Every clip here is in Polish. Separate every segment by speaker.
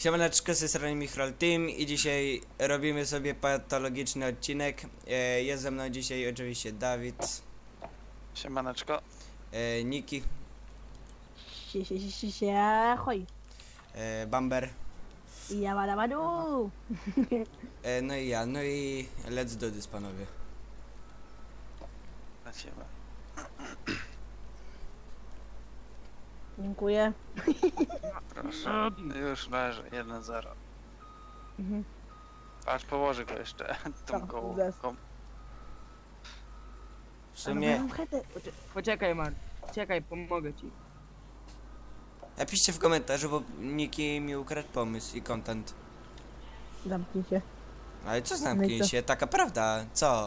Speaker 1: Siemaneczko, z tej strony Michrol Team i dzisiaj robimy sobie patologiczny odcinek. Jest ze mną dzisiaj oczywiście Dawid,
Speaker 2: Siemaneczko.
Speaker 1: Niki,
Speaker 3: Hoj.
Speaker 1: Bamber,
Speaker 3: Jabadabadu.
Speaker 1: no i ja, no i let's do this, panowie.
Speaker 2: Lecimy.
Speaker 3: Dziękuję.
Speaker 2: Proszę. Już leży, 1-0.
Speaker 3: Mhm.
Speaker 2: Aż położy go jeszcze tą
Speaker 3: Tak,
Speaker 2: gołą.
Speaker 3: zes.
Speaker 1: W sumie,
Speaker 4: Poczekaj, Mark. Czekaj, pomogę ci.
Speaker 1: napiszcie w komentarzu, bo Niki mi ukradł pomysł i content.
Speaker 3: Zamknij się.
Speaker 1: Ale co
Speaker 3: No
Speaker 1: zamknij
Speaker 3: i co?
Speaker 1: się, taka prawda, co?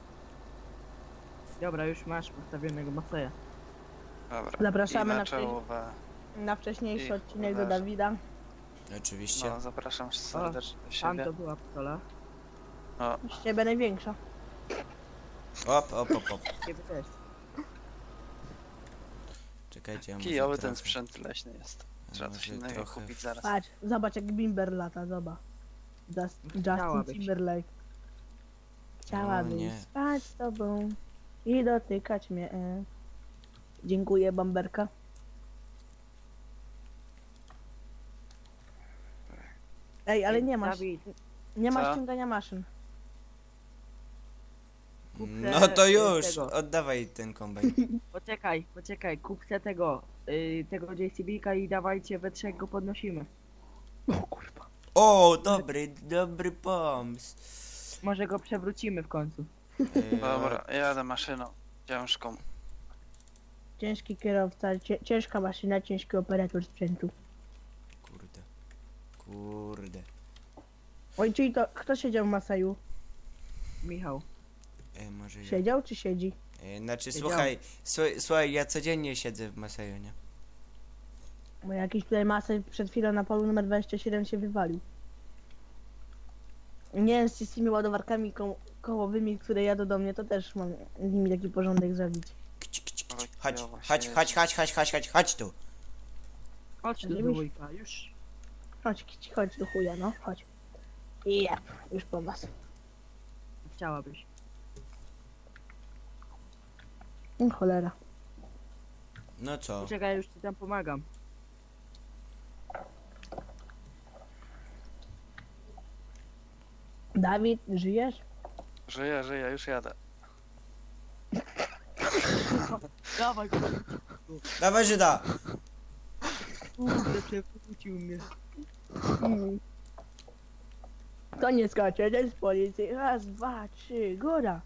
Speaker 4: Dobra, już masz postawionego Maseja.
Speaker 2: Dobra.
Speaker 3: Zapraszamy
Speaker 2: I
Speaker 3: na
Speaker 2: na czołowe.
Speaker 3: Na wcześniejszy
Speaker 2: I
Speaker 3: odcinek do
Speaker 2: leży.
Speaker 3: Dawida.
Speaker 1: Oczywiście.
Speaker 2: No, zapraszam serdecznie do
Speaker 4: Tam
Speaker 2: siebie.
Speaker 4: to była pstola.
Speaker 2: O,
Speaker 3: Z ciebie największa.
Speaker 1: Op, op, op, op.
Speaker 4: Ciebie też.
Speaker 1: Czekajcie, ja może
Speaker 2: kijowy
Speaker 1: trochę,
Speaker 2: ten sprzęt leśny jest. Trzeba coś
Speaker 1: może
Speaker 2: innego
Speaker 1: trochę
Speaker 2: kupić zaraz.
Speaker 3: Patrz, zobacz jak Bimber lata, zobacz. Justin
Speaker 4: Chciałabyś.
Speaker 3: Timberlake. Chciałabym
Speaker 1: nie.
Speaker 3: spać z tobą i dotykać mnie. Dziękuję, Bamberka. Ej, ale nie masz,
Speaker 4: Dawid,
Speaker 3: nie masz
Speaker 2: Co?
Speaker 3: ściągania maszyn.
Speaker 1: No to już,
Speaker 4: tego.
Speaker 1: oddawaj ten kombajn.
Speaker 4: poczekaj, kupcie tego JCB-ka i dawajcie, we trzech go podnosimy.
Speaker 1: O, dobry pomysł.
Speaker 4: Może go przewrócimy w końcu.
Speaker 2: Dobra, jadę maszyną ciężką.
Speaker 3: Ciężki kierowca, ciężka maszyna, ciężki operator sprzętu.
Speaker 1: Kurde.
Speaker 3: Oj, czyli to kto siedział w Masaju?
Speaker 4: Michał.
Speaker 1: Może ja.
Speaker 3: Siedział czy siedzi?
Speaker 1: Znaczy,
Speaker 4: Siedział.
Speaker 1: słuchaj, ja codziennie siedzę w Masajonie.
Speaker 3: Bo jakiś tutaj Masaj przed chwilą na polu numer 27 się wywalił. Nie wiem, z tymi ładowarkami kołowymi, które jadą do mnie, to też mam z nimi taki porządek zrobić.
Speaker 1: Chodź tu.
Speaker 4: Chodź do
Speaker 3: Żebyś-
Speaker 4: dwójka, już.
Speaker 3: Chodź do chuja, no, chodź. Ja, już po was.
Speaker 4: Chciałabyś.
Speaker 3: Cholera.
Speaker 1: No co?
Speaker 4: Poczekaj, już ci tam pomagam.
Speaker 3: Dawid, żyjesz?
Speaker 2: Żyję, już jadę.
Speaker 4: Dawaj go.
Speaker 1: Dawaj Żyda!
Speaker 4: Kurde, przewrócił mnie.
Speaker 3: To nie skacze, to jest policji. Raz, dwa, trzy, góra.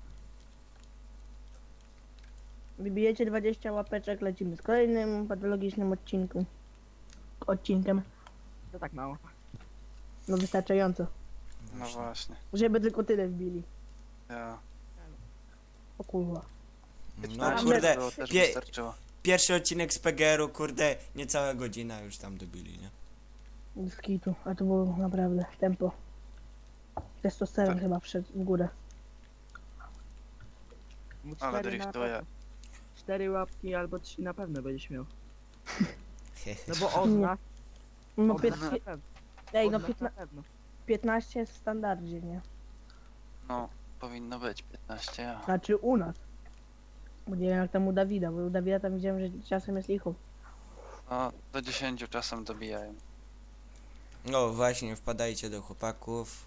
Speaker 3: Wybijecie 20 łapeczek, lecimy z kolejnym patologicznym odcinkiem.
Speaker 4: To tak mało.
Speaker 3: No wystarczająco.
Speaker 2: No właśnie.
Speaker 3: Żeby tylko tyle wbili.
Speaker 2: Ja.
Speaker 3: O kurwa.
Speaker 1: No
Speaker 2: Tak,
Speaker 1: kurde,
Speaker 2: było, też
Speaker 1: pie-
Speaker 2: wystarczyło.
Speaker 1: pierwszy odcinek z PGR-u, kurde, niecała godzina już tam dobili, nie?
Speaker 3: Z kitu, a to było naprawdę tempo. Testosteron
Speaker 2: Tak.
Speaker 3: chyba wszedł w górę.
Speaker 4: Mu
Speaker 2: Ale
Speaker 4: cztery na
Speaker 2: driftuje.
Speaker 4: pewno. 4 łapki albo 3 na pewno będziesz miał.
Speaker 1: Hehe.
Speaker 4: No bo od nas,
Speaker 3: No,
Speaker 4: od nas na pewno.
Speaker 3: ej,
Speaker 4: Od
Speaker 3: no
Speaker 4: nas na pewno.
Speaker 3: 15 jest w standardzie, nie?
Speaker 2: No, powinno być 15. Ja.
Speaker 3: Znaczy u nas. Bo nie wiem jak tam u Dawida, bo u Dawida tam widziałem, że czasem jest licho.
Speaker 2: No, do 10 czasem dobijają.
Speaker 1: No właśnie, wpadajcie do chłopaków.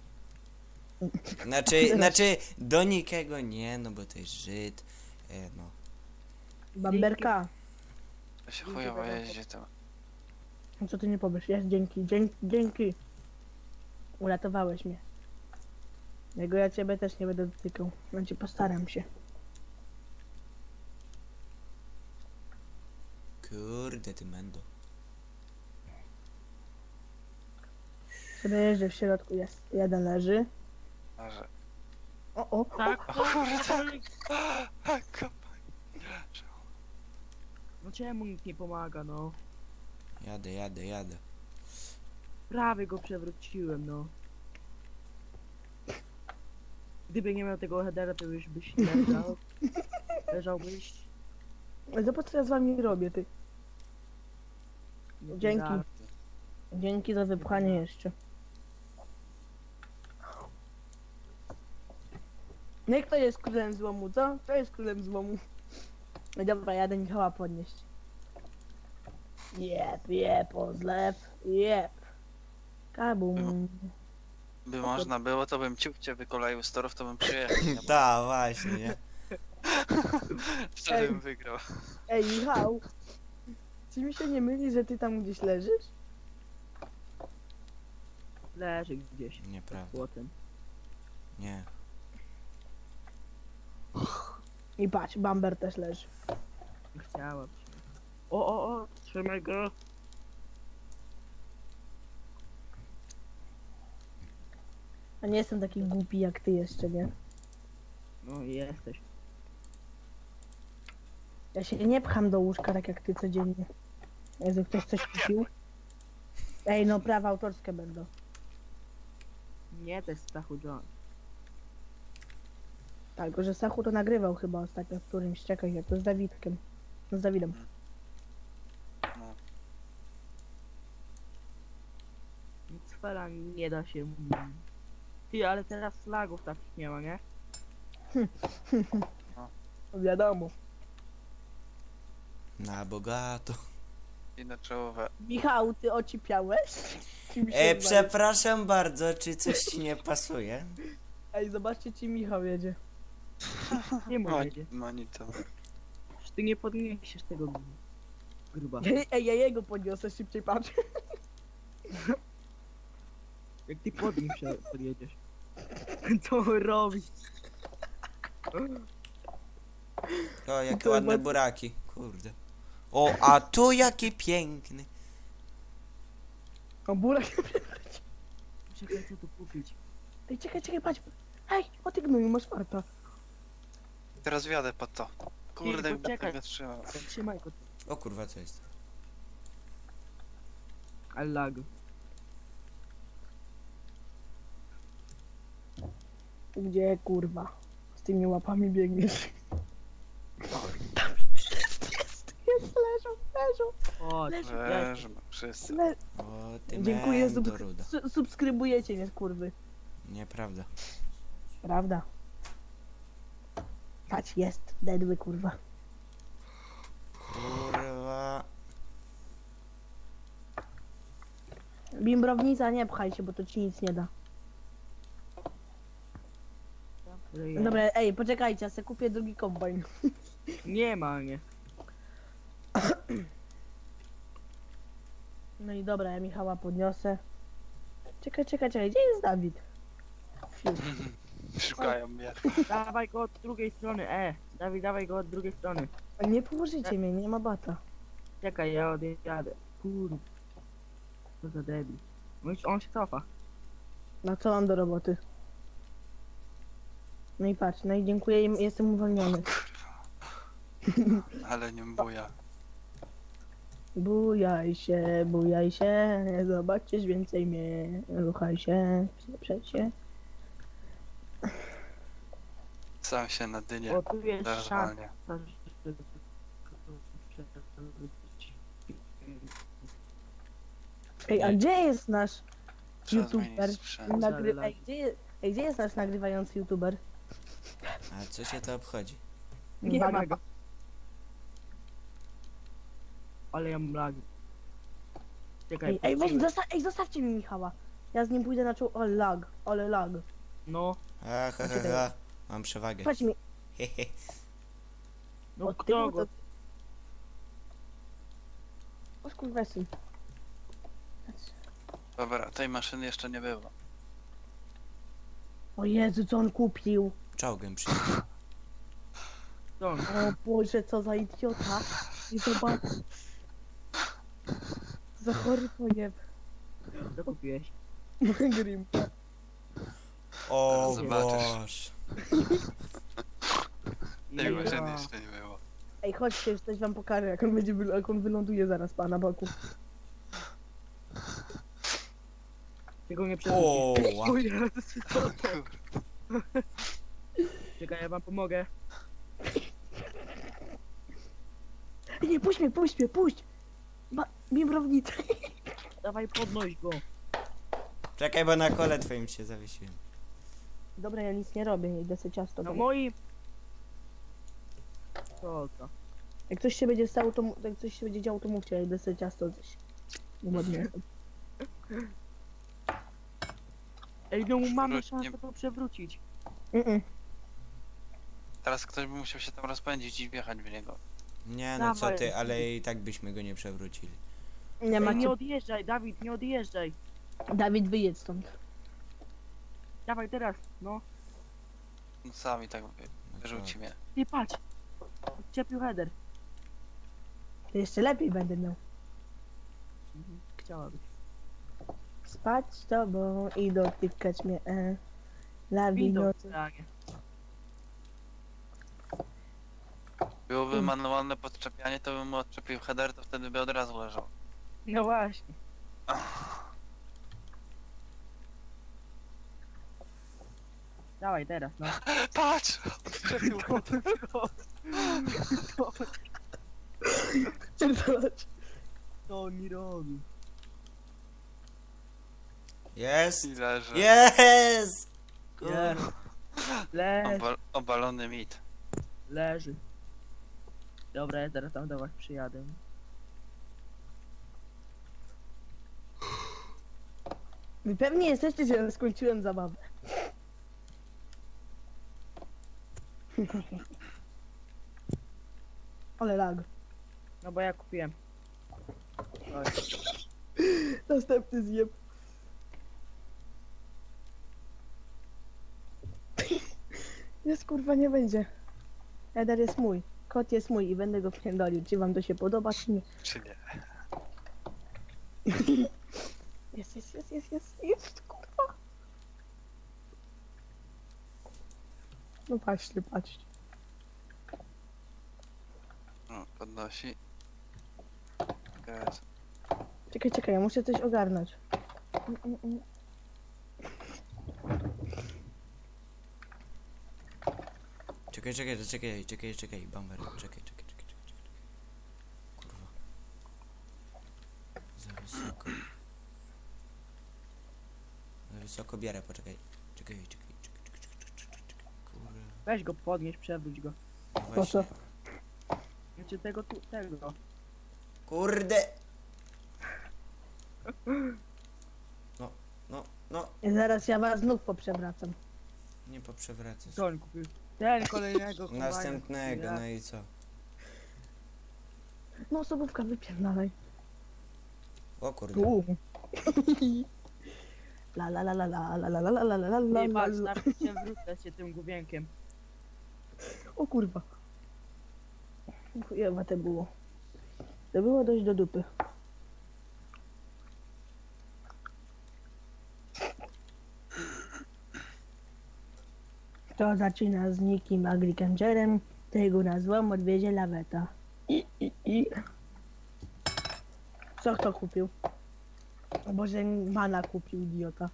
Speaker 1: Znaczy, do nikogo nie, no bo to jest Żyd. No.
Speaker 3: Bamberka,
Speaker 2: To się chujowo jeździ to.
Speaker 3: no co ty nie powiesz? Jest, dzięki. Uratowałeś mnie. Jego ja ciebie też nie będę dotykał. Znaczy postaram się.
Speaker 1: Kurde, ty mendo.
Speaker 3: Sobie jeżdżę w środku, jest. Jeden leży.
Speaker 2: Że...
Speaker 3: O,
Speaker 4: Tak,
Speaker 2: Tak.
Speaker 4: no czemu nikt nie pomaga, no?
Speaker 1: Jadę.
Speaker 4: Prawie go przewróciłem, no. Gdyby nie miał tego headera, to już byś leżał. Leżałbyś.
Speaker 3: zobacz co ja z wami robię, ty.
Speaker 4: No,
Speaker 3: Dzięki.
Speaker 4: tak.
Speaker 3: Dzięki za wypchanie jeszcze. No i kto jest królem złomu, co? Kto jest królem złomu? No dobra, jadę Michała podnieść. Jep, odlew, jep. Kabum.
Speaker 2: By można było, to bym ciupcie wykoleił z torów, to bym przyjechał. nie?
Speaker 1: Tak, właśnie, nie?
Speaker 2: Wtedy bym wygrał.
Speaker 3: Ej, Michał. Czy mi się nie myli, że ty tam gdzieś leżysz?
Speaker 4: Leży gdzieś.
Speaker 1: Nieprawda.
Speaker 4: Złotem.
Speaker 1: Nie.
Speaker 3: I patrz, Bamber też leży.
Speaker 4: Chciałam się. O, trzymaj go.
Speaker 3: A nie jestem taki głupi jak ty jeszcze, nie?
Speaker 4: No i jesteś.
Speaker 3: Ja się nie pcham do łóżka tak jak ty codziennie. Jezu, ktoś coś kupił? Ej, no prawa autorskie będą.
Speaker 4: Nie, to jest Stachu John.
Speaker 3: Tak, tylko że Sachu to nagrywał chyba ostatnio w którymś, czekaj, jak to z Dawidkiem. No z Dawidem.
Speaker 2: No.
Speaker 4: Nic fela nie da się. Ty, ale teraz slagów takich nie ma, nie?
Speaker 3: No wiadomo.
Speaker 1: Na bogato.
Speaker 2: I na czołowe.
Speaker 3: Michał, ty ocipiałeś? Kim się zajmujesz?
Speaker 1: Przepraszam bardzo, czy coś ci nie pasuje?
Speaker 3: Ej, zobaczcie, ci Michał jedzie.
Speaker 4: Nie mówię cię.
Speaker 2: Monito.
Speaker 4: Przecież ty nie podniesiesz tego gruba.
Speaker 3: Ej, ja jego podniosę, szybciej patrz.
Speaker 4: Jak ty pod nim podjedziesz. Co on robi?
Speaker 1: O, jakie
Speaker 3: To
Speaker 1: ładne
Speaker 3: ma-
Speaker 1: buraki. Kurde. O, a tu jaki piękny.
Speaker 3: O, burak.
Speaker 4: Czekaj, co tu kupić?
Speaker 3: Ej, czekaj, patrz. Ej, o ty gnoju, masz farta.
Speaker 2: Teraz wjadę pod to. Kurde,
Speaker 4: Ty, poczekaj.
Speaker 2: będę trzymał.
Speaker 4: Trzymaj go.
Speaker 1: O kurwa, co jest?
Speaker 4: Ale lag.
Speaker 3: Gdzie, kurwa? Z tymi łapami biegniesz. Jest, leżą.
Speaker 4: Chodź,
Speaker 3: Leży.
Speaker 2: Leżmy, wszyscy.
Speaker 1: O, ty
Speaker 3: Dziękuję,
Speaker 1: mendo ruda.
Speaker 3: subskrybujecie mnie, kurwy.
Speaker 1: Nieprawda.
Speaker 3: Prawda. Patrz, jest, dedły, kurwa.
Speaker 1: Kurwa.
Speaker 3: Bimbrownica, nie pchaj się, bo to ci nic nie da. Dobra, ej, poczekajcie, ja sobie kupię drugi kombajn.
Speaker 4: Nie ma, nie.
Speaker 3: No i dobra, ja Michała podniosę. Czekaj, gdzie jest Dawid? Fiu.
Speaker 2: Szukają mnie.
Speaker 4: Dawaj go od drugiej strony, Dawid, dawaj go od drugiej strony.
Speaker 3: Nie położycie mnie, nie ma bata.
Speaker 4: Czekaj, ja odjadę. Kurde. Co za debil. On się cofa.
Speaker 3: No co mam do roboty? No i patrz, no i dziękuję, jestem uwolniony.
Speaker 2: Ale nie buja.
Speaker 3: Bujaj się, zobaczysz więcej mnie. Ruchaj się, przeprzeć się.
Speaker 2: Sam się na dynie.
Speaker 4: O, tu jest szansa,
Speaker 2: Normalnie.
Speaker 4: żeby...
Speaker 3: Ej, a gdzie jest nasz
Speaker 2: Trzeba
Speaker 3: YouTuber?
Speaker 2: zmienić sprzęt.
Speaker 3: Ej, gdzie jest nasz nagrywający YouTuber?
Speaker 1: A co się to obchodzi?
Speaker 4: Nie
Speaker 3: Uwaga,
Speaker 4: ma go. Ale ja mam lagi. Czekaj,
Speaker 3: Ej, weź,
Speaker 4: patrzymy.
Speaker 3: zostawcie mi Michała. Ja z nim pójdę na czoło. Ale lag.
Speaker 4: No,
Speaker 1: Ha. Mam przewagę.
Speaker 3: Patrz mi.
Speaker 1: Hehe.
Speaker 4: no
Speaker 3: od
Speaker 4: kto
Speaker 3: tyłu
Speaker 4: go?
Speaker 3: to- O skurwesyn.
Speaker 2: Dobra, tej maszyny jeszcze nie było.
Speaker 3: O Jezu, co on kupił?
Speaker 1: Czołgiem przyjechał.
Speaker 4: Kto?
Speaker 3: O Boże, co za idiota. I zobacz. Za chory pojeb.
Speaker 4: Co kupiłeś?
Speaker 3: Grim.
Speaker 1: O
Speaker 2: Zobaczysz.
Speaker 1: Boże.
Speaker 2: Tej
Speaker 3: Ej,
Speaker 2: maszyny
Speaker 4: ja.
Speaker 2: jeszcze nie było.
Speaker 3: Ej, chodźcie, już coś wam pokażę, jak on będzie, jak on wyląduje zaraz pana boku.
Speaker 4: Tego nie przerzucisz.
Speaker 1: O,
Speaker 4: O Jezus, co to? Czekaj, ja wam pomogę.
Speaker 3: Ej, nie, puść mnie. Bimbrownicę.
Speaker 4: Dawaj, podnoś go.
Speaker 1: Czekaj, bo na kole twoim się zawiesiłem.
Speaker 3: Dobra, ja nic nie robię, idę sobie ciasto.
Speaker 4: No
Speaker 3: robię.
Speaker 4: moi... Co to?
Speaker 3: Jak coś się będzie stało, to jak coś się będzie działo, to mówcie, ja idę sobie ciasto gdzieś. Ładnie.
Speaker 4: Ej, no mamy
Speaker 2: Przewróć-
Speaker 4: szansę
Speaker 2: nie-
Speaker 4: to przewrócić.
Speaker 2: Teraz ktoś by musiał się tam rozpędzić i wjechać w niego.
Speaker 1: Nie no, co
Speaker 4: Dawaj.
Speaker 1: ty, ale i tak byśmy go nie przewrócili.
Speaker 3: Nie
Speaker 4: Ej,
Speaker 3: macie.
Speaker 4: nie odjeżdżaj, Dawid, nie odjeżdżaj.
Speaker 3: Dawid, wyjedź stąd.
Speaker 4: Dawaj teraz, no.
Speaker 2: No sami tak
Speaker 1: No
Speaker 2: wyrzuci mnie.
Speaker 4: Ty patrz. Odczepił header.
Speaker 3: To jeszcze lepiej będę miał.
Speaker 4: Chciałabyś.
Speaker 3: Spać z tobą i dotykać mnie. La
Speaker 4: Windą
Speaker 3: wino.
Speaker 4: stanie.
Speaker 2: Byłoby manualne podczepianie, to bym mu odczepił header, to wtedy by od razu leżał.
Speaker 4: No właśnie. Dawaj teraz, no.
Speaker 2: Patrz! Odczepił header.
Speaker 4: Co on mi robi?
Speaker 1: Jest!
Speaker 2: I leży.
Speaker 1: Jest!
Speaker 4: Nie. Leży,
Speaker 2: Obalony mit.
Speaker 4: leży. Dobra, ja teraz tam do was przyjadę.
Speaker 3: Wy pewnie jesteście, że ja skończyłem zabawę. Ale lag.
Speaker 4: No bo ja kupiłem. Oj.
Speaker 3: Następny zjeb. Jest kurwa nie będzie. Eder jest mój. Kot jest mój i będę go pierdolił. Czy wam to się podoba, czy nie?
Speaker 2: Czy nie?
Speaker 3: Jest, kurwa. No patrzcie, patrzcie.
Speaker 2: No, podnosi. Gaz.
Speaker 3: Czekaj, ja muszę coś ogarnąć.
Speaker 1: Czekaj, Bamber, czekaj. Kurwa. Za wysoko. Za wysoko bierę, poczekaj. Czekaj. Kurwa.
Speaker 4: Weź go podnieś, przewróć go.
Speaker 3: Po co?
Speaker 4: Znaczy tego.
Speaker 1: Kurde! No,
Speaker 3: I zaraz ja was znów poprzewracam.
Speaker 1: nie poprzewracę.
Speaker 4: Co on kupił? Ten kolejnego kombajna.
Speaker 1: Następnego, no i co?
Speaker 3: No osobówka, wypierdalaj.
Speaker 1: O kurde.
Speaker 3: La la la la la la la la la la la la
Speaker 4: Nie
Speaker 3: la
Speaker 4: patrz,
Speaker 3: la.
Speaker 4: nawet się wrócę się tym gubienkiem.
Speaker 3: O kurwa. Chujowe to było. To było dość do dupy. Kto zaczyna z nikim agrikangerem, tego na złom odwiezie laweta. I. Co kto kupił? O Boże, mana kupił, idiota.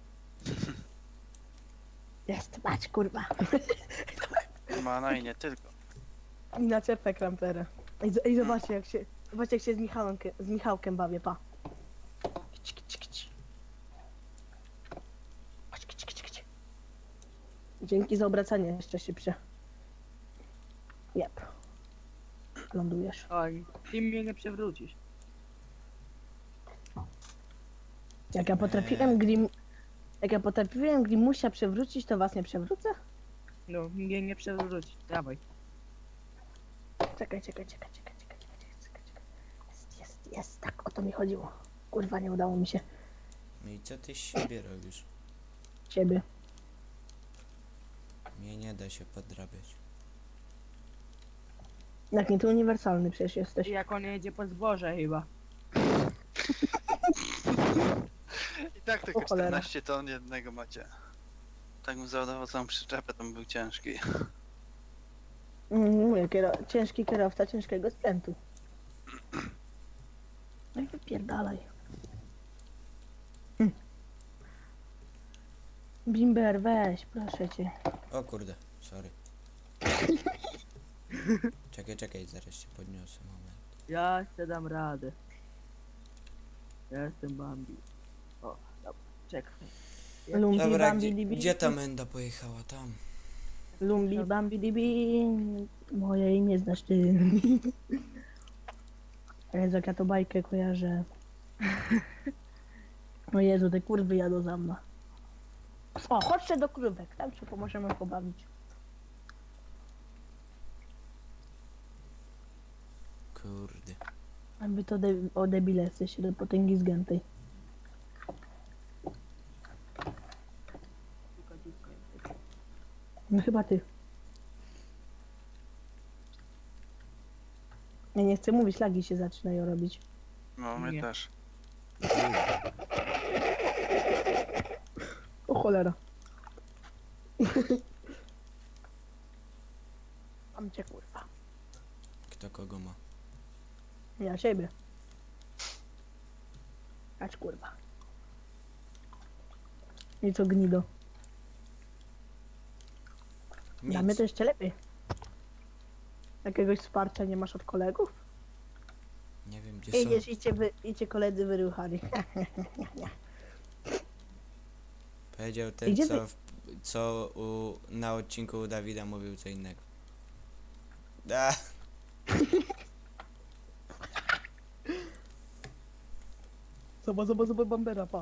Speaker 3: Jest, patrz kurwa.
Speaker 2: Mana i nie tylko.
Speaker 3: I na czepę kramperę. I zobaczcie jak się z Michałkiem bawię, pa. Kici, kici, kici. Patrz, kici, kici, kici. Dzięki za obracanie jeszcze szybsze. Jep. Lądujesz.
Speaker 4: Oj, ty mnie nie przewrócisz.
Speaker 3: Jak ja potrafiłem Grimusia przewrócić, to was nie przewrócę?
Speaker 4: No, mnie nie przewrócisz. Dawaj.
Speaker 3: Czekaj. Jest, tak o to mi chodziło. Kurwa, nie udało mi się.
Speaker 1: No i co ty z siebie robisz?
Speaker 3: Ciebie.
Speaker 1: Mnie nie da się podrabiać.
Speaker 3: Jak nie, to uniwersalny przecież jesteś.
Speaker 4: Jak on jedzie po zboże chyba.
Speaker 2: I tak tylko
Speaker 3: O cholera.
Speaker 2: 14 ton jednego macie. Tak bym załadował całą przyczepę, to bym był ciężki.
Speaker 3: Mówię, ciężki kierowca ciężkiego sprzętu. No i wypierdalaj. Bimber, weź, proszę cię.
Speaker 1: O kurde, sorry. Czekaj, zaraz się podniosę, moment.
Speaker 4: Ja chcę dam radę. Ja jestem Bambi. O, dobra, czekaj.
Speaker 3: Lumbi,
Speaker 1: Dobra,
Speaker 3: bambi, dibi.
Speaker 1: gdzie ta menda pojechała? Tam.
Speaker 3: Lumbi, bambi, dibi. Moje imię znasz ty. Jezu, jak ja to bajkę kojarzę. O Jezu, te kurwy jadą za mną. O, chodźcie do krówek, tam się pomożemy pobawić.
Speaker 1: Kurde.
Speaker 3: A wy to o debile jesteście, do potęgi zgiętej. No chyba ty. Ja nie chcę mówić, lagi się zaczynają robić.
Speaker 2: No, mnie
Speaker 4: Nie.
Speaker 2: też.
Speaker 3: O cholera. Mam cię kurwa.
Speaker 1: Kto kogo ma?
Speaker 3: Ja siebie. Acz kurwa. I co gnido. Dla mnie to jeszcze lepiej. Jakiegoś wsparcia nie masz od kolegów?
Speaker 1: Nie wiem gdzie są.
Speaker 3: Idziesz, idźcie koledzy wyruchali.
Speaker 1: Powiedział ten,
Speaker 3: Gdzie
Speaker 1: co na odcinku u Dawida mówił co innego. Da.
Speaker 3: Zobacz bambera, pa.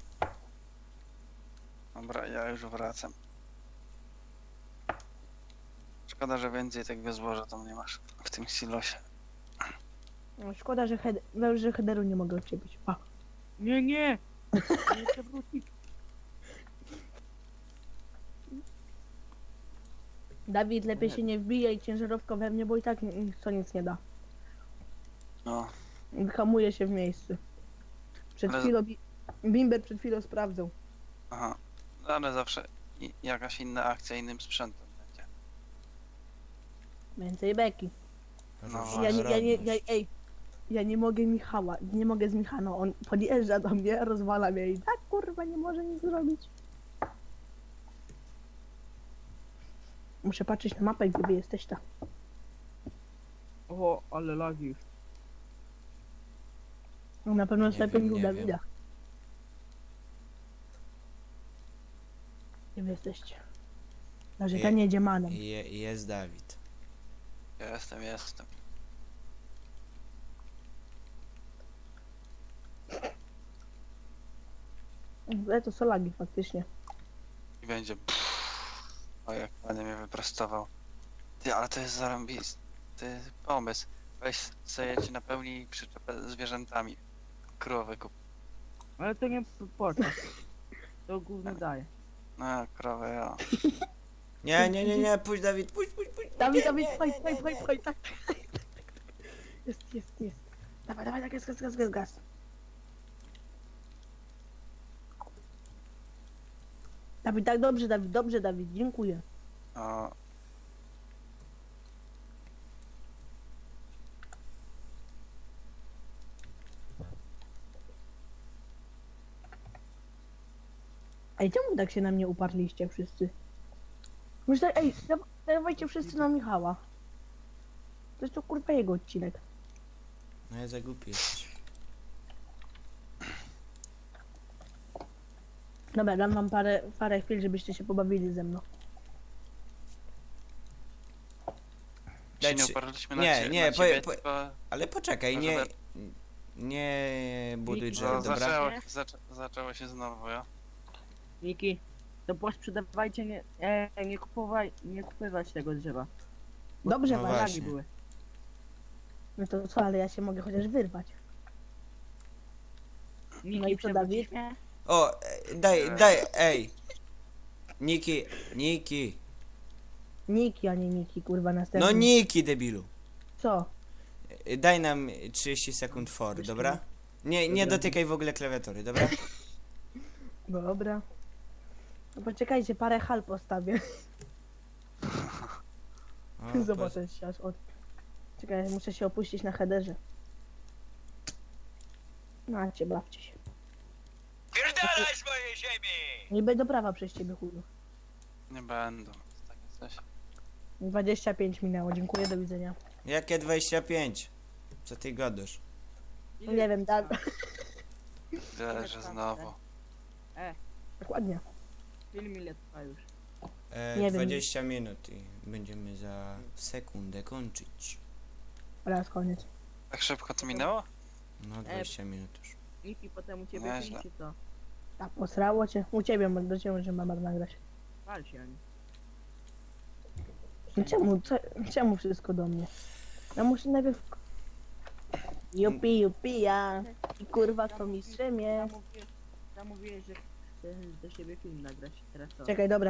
Speaker 2: Dobra, ja już wracam. Szkoda, że więcej tego złoża tam nie masz w tym silosie.
Speaker 3: No, szkoda, że, że headeru nie mogę odczepić. Pa.
Speaker 4: Nie, nie! Nie chcę wrócić.
Speaker 3: Dawid, lepiej się nie wbijaj ciężarówką we mnie, bo i tak to nic nie da.
Speaker 2: No,
Speaker 3: Hamuje się w miejscu. Przed
Speaker 2: Ale-
Speaker 3: chwilą, Bimber przed chwilą sprawdzał.
Speaker 2: aha. No, ale zawsze jakaś inna akcja innym sprzętem będzie.
Speaker 3: Więcej beki.
Speaker 2: No,
Speaker 3: Ja nie mogę Michała, nie mogę z Michała, no on podjeżdża do mnie, rozwala mnie i tak kurwa nie może nic zrobić. Muszę patrzeć na mapę, gdzie wy jesteś tam.
Speaker 4: O, ale lagi już.
Speaker 3: No, na pewno
Speaker 1: Nie
Speaker 3: lepiej
Speaker 1: wiem,
Speaker 3: u
Speaker 1: nie
Speaker 3: Dawida. Gdzie wy jesteście? Narzekanie jedzie manem.
Speaker 1: Jest Dawid.
Speaker 2: Jestem.
Speaker 3: Ale to są lagi faktycznie.
Speaker 2: I będzie. O, jak ładnie mnie wyprostował. Ty, ale to jest zarąbisty pomysł. Weź sobie ci napełnij przyczepę zwierzętami. Krowy kup.
Speaker 4: Ale to nie płacę. To gówno daje.
Speaker 2: No, krowę, ja.
Speaker 1: Nie, pójdź Dawid, pójdź.
Speaker 3: Dawid, pchaj, tak. Jest. Dawaj, tak, gaz. Dawid, tak, dobrze, Dawid, dziękuję.
Speaker 2: O,
Speaker 3: Ej, czemu tak się na mnie uparliście wszyscy? Myślę, ej, dawajcie wszyscy na Michała. To jest to kurwa jego odcinek.
Speaker 1: No ja za głupi jesteś.
Speaker 3: Dobra, dam wam parę chwil, żebyście się pobawili ze mną.
Speaker 2: się nie
Speaker 1: Daj,
Speaker 2: uparliśmy na,
Speaker 1: nie, nie,
Speaker 2: na ciebie,
Speaker 1: po-
Speaker 2: tylko
Speaker 1: Ale poczekaj,
Speaker 2: Może
Speaker 1: nie buduj drzew,
Speaker 2: no,
Speaker 1: dobra?
Speaker 2: zaczęło się znowu, ja.
Speaker 4: Miki, to posprzedawajcie, nie kupywać tego drzewa.
Speaker 3: Dobrze,
Speaker 1: No
Speaker 3: wam.
Speaker 1: właśnie.
Speaker 4: Lagi były.
Speaker 3: No to co, ale ja się mogę chociaż wyrwać.
Speaker 4: Miki,
Speaker 3: No i co, Dawid?
Speaker 4: przewrócisz mnie?
Speaker 1: O, ej. Niki.
Speaker 3: Niki, a nie Niki, kurwa, następny.
Speaker 1: No Niki, debilu.
Speaker 3: Co?
Speaker 1: Daj nam 30 sekund for, dobra? Nie dotykaj w ogóle klawiatury, dobra?
Speaker 3: Dobra. No poczekajcie, parę hal postawię.
Speaker 1: O,
Speaker 3: Zobaczę się aż od... Czekaj, muszę się opuścić na headerze. Macie, bawcie się.
Speaker 5: Pierdalaj z mojej ziemi!
Speaker 3: Nie będę prawa przez ciebie, chuju.
Speaker 2: Nie będą. Takie coś.
Speaker 3: 25 minęło, dziękuję, do widzenia.
Speaker 1: Jakie 25? Co ty gadasz?
Speaker 3: Nie wiem,
Speaker 2: Widzę, że znowu.
Speaker 3: Dokładnie.
Speaker 4: Film ile trwa już?
Speaker 3: Nie wiem.
Speaker 1: 20 minut i będziemy za sekundę kończyć.
Speaker 3: Raz, koniec.
Speaker 2: Tak szybko to minęło?
Speaker 1: No 20 minut już.
Speaker 4: Niki potem u ciebie
Speaker 2: Nieźle.
Speaker 4: film czy co?
Speaker 3: A posrało cię? U ciebie, bo do ciebie możemy mamar nagrać.
Speaker 4: Pal się, Ani.
Speaker 3: No czemu wszystko do mnie? Ja muszę najpierw... Jupi, ja. I kurwa, to mistrzem jest.
Speaker 4: Zamówiłeś, że chcesz do siebie film nagrać. Teraz co?
Speaker 3: Czekaj, dobra.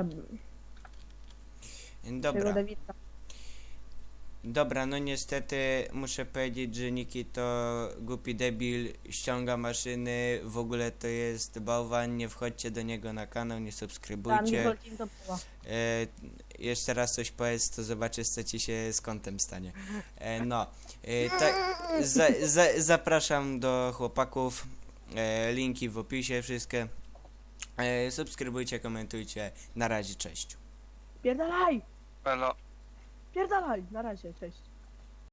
Speaker 1: Dobra.
Speaker 3: Czego Dawidka?
Speaker 1: Dobra, no niestety muszę powiedzieć, że Niki to głupi debil, ściąga maszyny, w ogóle to jest bałwan, nie wchodźcie do niego na kanał, nie
Speaker 3: Tam
Speaker 1: subskrybujcie.
Speaker 3: Nicole to była.
Speaker 1: Jeszcze raz coś powiedz, to zobaczysz, co ci się z kątem stanie. Tak, zapraszam do chłopaków, linki w opisie, wszystkie. Subskrybujcie, komentujcie, na razie, cześć.
Speaker 3: Pierdalaj!
Speaker 2: Elo.
Speaker 3: Pierdalaj! Na razie, cześć.